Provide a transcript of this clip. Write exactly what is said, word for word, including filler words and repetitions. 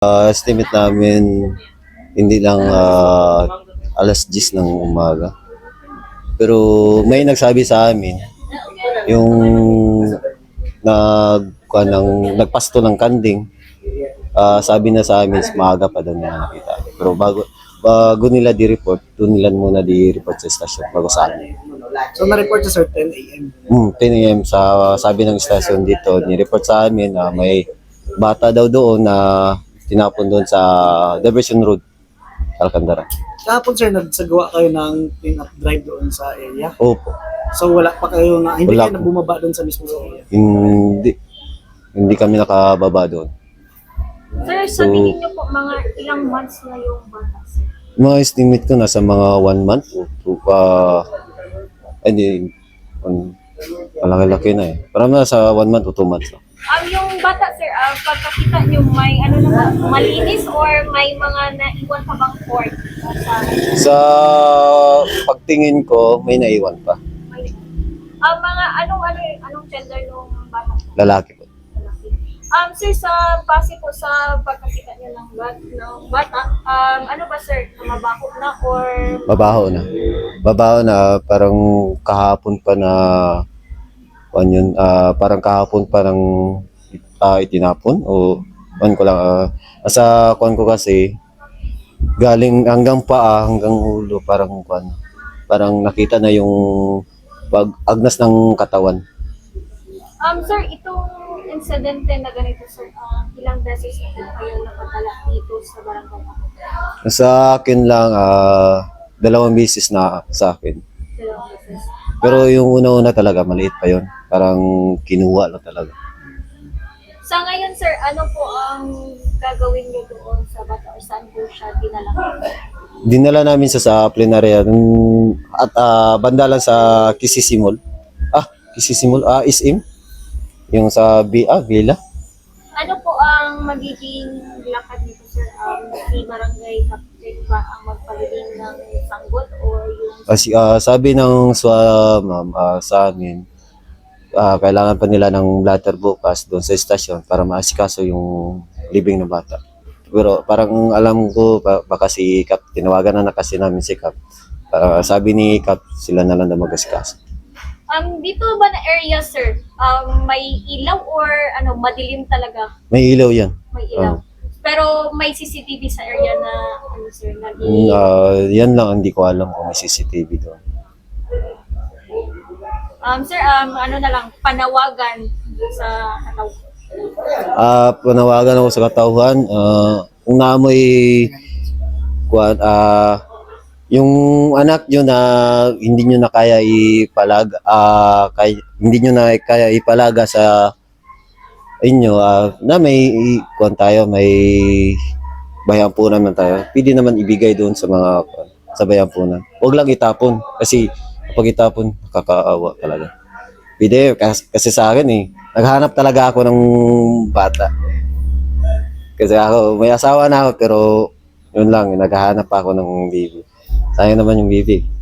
Ah, estimate namin hindi lang ah, alas diyes ng umaga. Pero may nagsabi sa amin yung nag kuha ng nagpasto ng kanding. Ah, sabi na sa amin is maaga pa daw nila nakita. Pero bago bago nila di-report, doon nila muna di-report sa stasyon bago sa amin. So na-report sa sir ten a m. Hmm, ten a m sa sabi ng stasyon dito, ni-report sa amin na may bata daw doon na tinapon doon sa Diversion Road, Alcantara. Kahapon sir, nagsagawa kayo ng clean-up drive doon sa area. Opo. So wala pa kayo na, hindi Wala kayo po. na bumaba doon sa mismo area. Hindi hindi kami nakababa doon. Sir, sa tingin niyo po, mga ilang months na yung bata, sir? Mga estimate ko nasa mga one month o two pa. Hindi, um, malaki-laki na eh. Parang nasa one month o two months. No? Um, yung bata, sir, uh, pagkakita niyo, may ano naman, malinis or may mga naiwan pa bang cord? Uh, sa, Sa pagtingin ko, may naiwan pa. may, uh, mga anong, ano, anong gender nung bata? Lalaki po. Um, sir, sa base po sa pagkakita niyo ng, bat, ng bata, um, ano ba, sir, mabaho na or Babaho na. Babaho na, parang kahapon pa na, ano yun, ah, parang kahapon pa ng ah, itinapon o ano ko lang, ah, sa kuan ko kasi, galing hanggang paa, hanggang ulo, parang kuan, parang nakita na yung pag agnas ng katawan. Um, sir, itong insidente na ganito, sir, um, ilang beses na po kayo napadala dito sa barangay ako? Sa akin lang, ah, dalawang beses na sa akin. Dalawang beses. Pero yung una-una talaga, maliit pa yon. Parang kinuha lang talaga. Sa ngayon, sir, ano po ang gagawin niyo doon sa bata or saan po siya dinala? Dinala namin sa sa plenarya nung- at ah, banda lang sa Kisisimol. Ah, Kisisimol, ah, Isim. Yung sa B, ah, Villa. Ano po ang magiging lakad nito, sir? Um, si barangay captain ba ang magpagaling ng sanggot or yung Kasi ah, sabi ng swa, ma'am, ah, sa amin, ah, kailangan pa nila ng blatter bukas doon sa estasyon para maasikaso yung libing ng bata. Pero parang alam ko, ba- baka si Kap, tinawagan na na kasi namin si Kap. Ah, sabi ni Kap, sila na lang na mag-asikaso. Um, dito ba na area, sir? Um, may ilaw or ano, madilim talaga? May ilaw yan. May ilaw. Pero may C C T V sa area na ano, sir, na Mm, ah, yan lang, hindi ko alam kung may C C T V doon. Um, sir, um, ano na lang, panawagan sa kataw. Ah, panawagan ako sa katauhan, ah, kung naamoy kuan, ah, yung anak nyo na hindi nyo na kaya ipalaga, ah, kay, hindi nyo na kaya ipalaga sa inyo, ah, na may kuan tayo, may bayampunan man tayo. Pwede naman ibigay doon sa mga kuwan, sa bayampunan. Huwag lang itapon kasi kapag itapon, nakakaawa talaga. Pwede, kasi, kasi sa akin eh, naghanap talaga ako ng bata. Kasi ako, may asawa na ako, pero yun lang, naghahanap pa ako ng baby. Sayang naman yung baby.